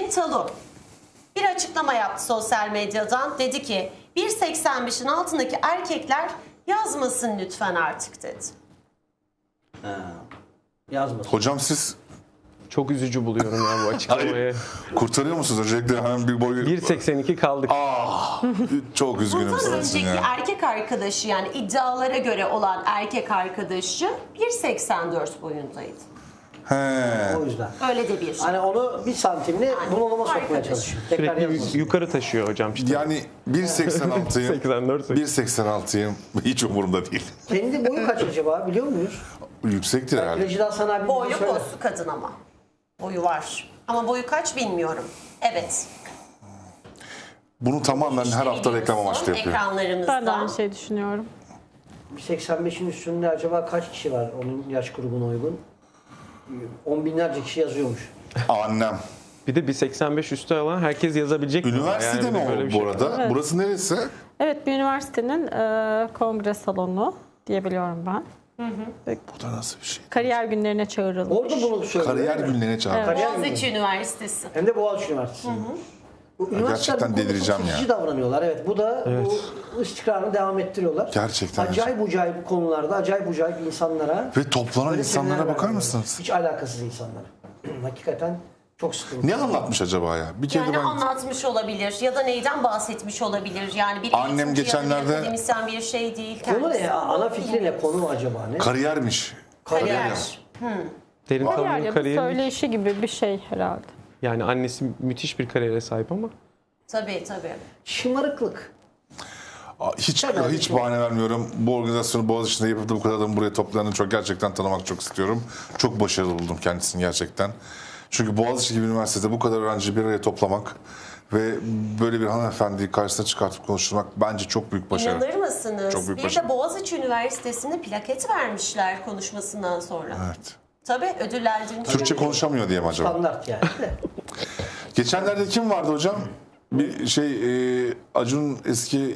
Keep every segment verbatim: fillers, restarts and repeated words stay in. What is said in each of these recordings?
Derin Talu bir açıklama yaptı sosyal medyadan. Dedi ki bir seksen beşin altındaki erkekler yazmasın lütfen artık dedi. Ha, yazmasın. Hocam siz Çok üzücü buluyorum ya bu açıklamayı. kurtarıyor musunuz? Öncelikle hemen bir boyu... bir seksen iki kaldık. Ah, çok üzgünüm Bundan sizin önceki ya. erkek arkadaşı, yani iddialara göre olan erkek arkadaşı bir seksen dört boyundaydı. He. O yüzden. Öyle de bir. Hani onu bir santimli bunalıma sokmaya arkadaş. çalışıyor. Tekrar Sürekli yazmasın. yu- yukarı taşıyor hocam işte. Yani bir seksen altıyım. seksen dört. bir seksen altıyım. Hiç umurumda değil. Kendi boyu kaç acaba biliyor muyuz? Yüksektir herhalde. Rejiden sana bir bilgi Boyu söyle. postu kadın ama. Boyu var. Ama boyu kaç bilmiyorum. Evet. Bunu tamamen her hafta reklam amaçlı yapıyor. Ekranlarımızda. Ben de aynı şeyi düşünüyorum. seksen beşin üstünde acaba kaç kişi var onun yaş grubuna uygun? On binlerce kişi yazıyormuş. Annem. Bir de bir seksen beş üstü olan herkes yazabilecek. mi? Üniversitede Yani mi böyle o bir bu şey. arada? Evet. Burası neresi? Evet, bir üniversitenin e, kongre salonu diyebiliyorum ben. Bu da nasıl bir şey? Kariyer günlerine çağrılmış. Orada bunu söylüyor. Kariyer değil mi? günlerine çağırdı. Kariyer Boğaziçi günleri. Üniversitesi. Hem de Boğaziçi Üniversitesi. Bu üniversiteler gerçekten bu konuda delireceğim çok ya. seçici davranıyorlar. Evet, bu da bu istikrarını devam ettiriyorlar. Gerçekten. Acayip acayip konularda, acayip acayip insanlara. Ve toplanan böyle insanlara seminerler bakar veriyorlar. mısınız? Hiç alakasız insanlara. Hakikaten çok sıkıntı. Ne anlatmış acaba ya? Bir kere Yani de ben... anlatmış olabilir ya da neyden bahsetmiş olabilir. Yani bir Annem eğitimci ya da bir geçenlerde- akademisyen bir şey değil. Konu ne kendisi. ya? Ana fikri ne? Konu acaba ne? Kariyermiş. Kariyer. Derin Kariyer Talu'nun ya da kariyeri. söyleşi gibi bir şey herhalde. Yani annesi müthiş bir kariyere sahip ama. Tabii tabii. Şımarıklık. Aa, Hiç Tabii, hiç tabii. bahane vermiyorum. Bu organizasyonu Boğaziçi'nde yapıp da bu kadar adamı buraya toplandığını çok gerçekten tanımak çok istiyorum. Çok başarılı buldum kendisini gerçekten. Çünkü Boğaziçi gibi üniversitede bu kadar öğrenciyi bir araya toplamak ve böyle bir hanımefendiyi karşısına çıkartıp konuşturmak bence çok büyük başarı. İnanır mısınız? Çok büyük bir başarı. de Boğaziçi Üniversitesi'nde plaket vermişler konuşmasından sonra. Evet. Tabii ödüllendirmiş. Türkçe konuşamıyor diye mi acaba? Standart yani. Geçenlerde kim vardı hocam? Bir şey e, Acun eski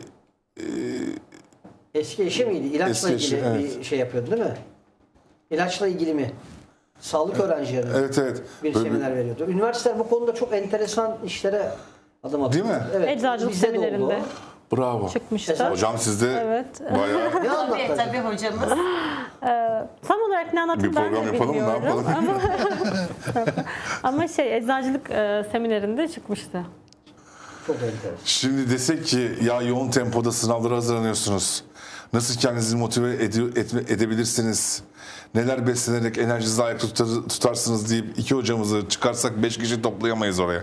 Eski eşi miydi? İlaçla Eski eşi, ilgili evet. bir şey yapıyordu değil mi? İlaçla ilgili mi? Sağlık öğrencileri evet evet. bir Böyle seminer veriyordu. Üniversiteler bu konuda çok enteresan işlere adım atıyor. Değil mi? Evet. Eczacılık bizde de oldu seminerinde o. bravo. çıkmıştı. Hocam sizde Evet. bayağı Ne Tabii anlattı? tabii hocamız. Tam olarak ne anlattım bir ben program de yapalım mı? Ne bilmiyorum. yapalım? Ama şey, eczacılık e, seminerinde çıkmıştı. Çok enteresan. Şimdi desek ki ya yoğun tempoda sınavlara hazırlanıyorsunuz. Nasıl kendinizi motive ede- etme- edebilirsiniz? Neler beslenerek enerjinizi ayakta tutar- tutarsınız deyip iki hocamızı çıkarsak beş kişi toplayamayız oraya.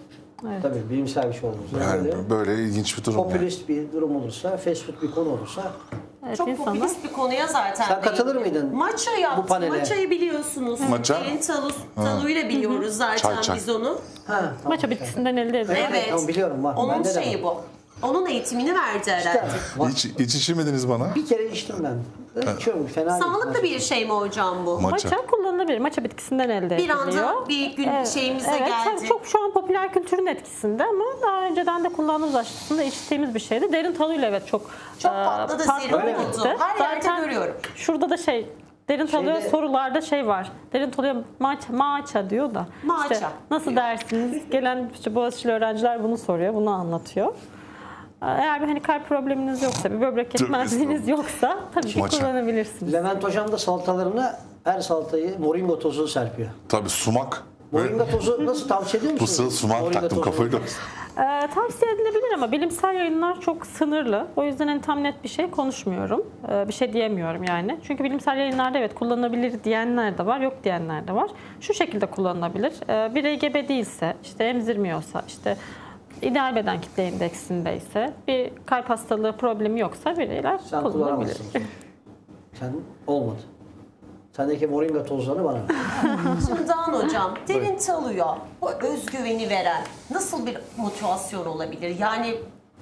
Tabii bilimsel bir şey olursa. Yani böyle böyle ilginç bir durum. yani. popülist bir durum olursa, fast food bir konu olursa Evet, Çok insanlar- popülist bir konuya zaten. Sen katılır değindim. mıydın Maça bu yaptı. panele? Maçayı biliyorsunuz. Maça? Derin Talu, Talu'yla biliyoruz zaten Çay, çay. biz onu. ha, tamam. Maça bitkisinden elde ediyor. Evet. tamam, biliyorum, var. Onun Bende de şeyi var. bu. Onun eğitimini verdi herhalde. Var. Hiç, hiç içirmediniz bana. Bir kere içtim ben. İçiyorum, fena değil. Sağlıklı bir şey mi hocam bu? Maça. Maça kullanılabilir. Maça bitkisinden elde Bir ediliyor. anda bir gün Evet, şeyimize evet, geldi. tabii çok şu an popüler kültürün etkisinde ama daha önceden de kullandığımız aşısında içtiğimiz bir şeydi. Derin Talu'yla evet çok Çok e, patladı, patladı zirve Öyle mi? oldu. gitti. Her yerde Zaten görüyorum. Şurada da şey, Derin Talu'ya Şeyde- sorularda şey var. Derin Talu'ya maça, maça diyor da. Maça. İşte nasıl dersiniz? Gelen işte Boğaziçi'li öğrenciler bunu soruyor, bunu anlatıyor. Eğer bir hani kalp probleminiz yoksa, bir böbrek yetmezliğiniz yoksa tabii ki Maça. kullanabilirsiniz. Levent Hocam da salatalarına her salatayı moringa tozu serpiyor. Tabii sumak. Böyle Moringa tozu nasıl tavsiye ediyor musunuz? fısıl sumak Moringa taktım tozu. kafayı da. Ee, tavsiye edilebilir ama bilimsel yayınlar çok sınırlı. O yüzden hani tam net bir şey konuşmuyorum. Ee, bir şey diyemiyorum yani. Çünkü bilimsel yayınlarda evet kullanılabilir diyenler de var, yok diyenler de var. Şu şekilde kullanılabilir. Ee, birey gebe değilse, işte emzirmiyorsa, işte ideal beden kitle indeksindeyse, bir kalp hastalığı problemi yoksa bireyler Sen kullanabilir. kullanamazsın. Sen olmadı. Sendeki moringa tozlarını bana ver. Şimdi Dağın hocam, Derin Talu'ya bu özgüveni veren nasıl bir motivasyon olabilir? Yani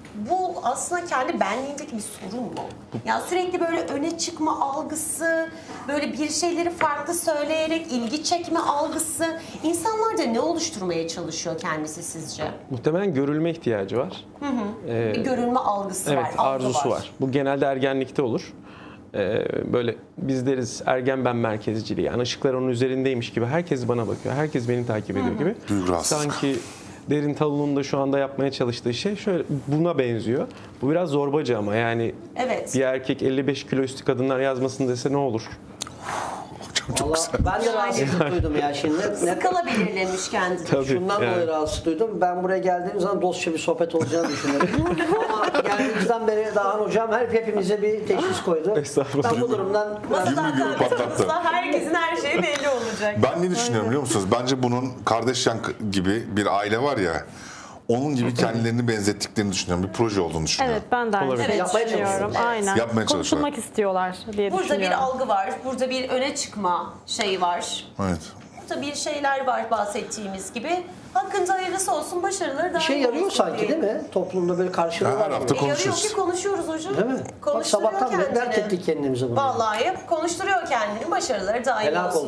bu aslında kendi benliğindeki bir sorun mu? Yani sürekli böyle öne çıkma algısı, böyle bir şeyleri farklı söyleyerek ilgi çekme algısı, insanlarda ne oluşturmaya çalışıyor kendisi sizce? Muhtemelen görülme ihtiyacı var. Ee, Bir görünme algısı evet, var, algı arzusu var. Bu genelde ergenlikte olur. Ee, böyle biz deriz ergen ben merkezciliği. Yani ışıklar onun üzerindeymiş gibi. Herkes bana bakıyor. Herkes beni takip ediyor gibi. Duygu rahatsızlık. Sanki Derin Talu'nun da şu anda yapmaya çalıştığı şey şöyle buna benziyor. Bu biraz zorbacı ama yani Evet. bir erkek elli beş kilo üstü kadınlar yazmasın dese ne olur? Çok, çok Valla güzel. ben de rahatsızlık duydum ya şimdi. Ne, Skala belirlemiş kendine. Tabii, Şundan yani. dolayı rahatsız duydum. Ben buraya geldiğim zaman dostça bir sohbet olacağını düşünüyorum. Ama geldiğimizden beri Dağhan Hocam her hepimize bir teşhis koydu. Estağfurullah. Ben bu durumdan Masadan Yirmi gün patlattı. kalktığımızda herkesin her şeyi belli olacak. Ben ne düşünüyorum biliyor musunuz? Bence bunun Kardashian gibi bir aile var ya, onun gibi kendilerini benzettiklerini düşünüyorum. Bir proje olduğunu düşünüyorum. Evet ben de aynı Olabilir. şeyi Yapmaya düşünüyorum. çalışıyorlar. Aynen. Yapmaya çalışıyorlar. Konuşulmak istiyorlar diye Burada bir düşünüyorum. algı var, burada bir öne çıkma şeyi var. Evet. Burada bir şeyler var bahsettiğimiz gibi. Hakkında hayırlısı olsun, başarıları daha bir şey iyi yarıyor olsun sanki diye. değil mi? Toplumda böyle karşılığı Her var. hafta E, yarıyor konuşuyoruz. ki konuşuyoruz hocam. Değil mi? Bak Konuşturuyor sabahtan beri kendini. dert ettik kendimize bunu. Vallahi hep konuşturuyor kendini. Başarıları daim Helak olsun.